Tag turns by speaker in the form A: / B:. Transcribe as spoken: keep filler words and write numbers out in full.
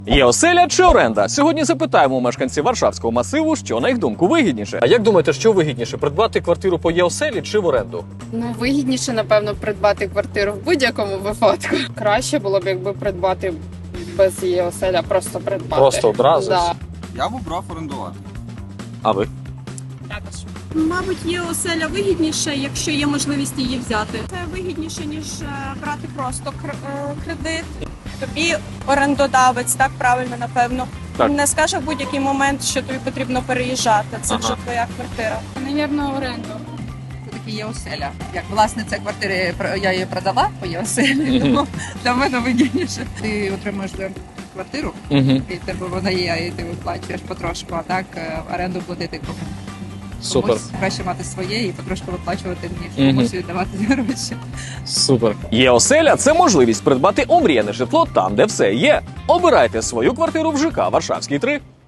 A: Є оселя чи оренда? Сьогодні запитаємо у мешканців Варшавського масиву, що на їх думку вигідніше. А як думаєте, що вигідніше, придбати квартиру по є-оселі чи в оренду?
B: Ну, вигідніше, напевно, придбати квартиру в будь-якому випадку. Краще було б, якби придбати без її оселя, просто придбати.
A: Просто одразу?
B: Да.
C: Я б обрав орендувати.
A: А ви?
D: Також.
E: Мабуть, є оселя вигідніше, якщо є можливість її взяти. Це вигідніше, ніж е, брати просто кр- е, кредит. Тобі орендодавець, так правильно, напевно,
A: Так.
E: не скаже в будь-який момент, що тобі потрібно переїжджати. Це
A: Ага.
E: вже твоя квартира.
B: Навірно, оренду.
D: Це таки є оселя. Як власниця квартири, я її продала по є оселі, тому для мене вигідніше. Ти отримуєш за квартиру,
A: Угу.
D: і в тебе вона є, і ти виплачуєш потрошку, а так е, оренду платити кому.
A: Супер.
D: Комусь краще мати своє і потрошку виплачувати, ніж
A: Мгм.
D: комусь віддавати гроші.
A: Супер. Є оселя – це можливість придбати омріяне житло там, де все є. Обирайте свою квартиру в ЖК Варшавський три.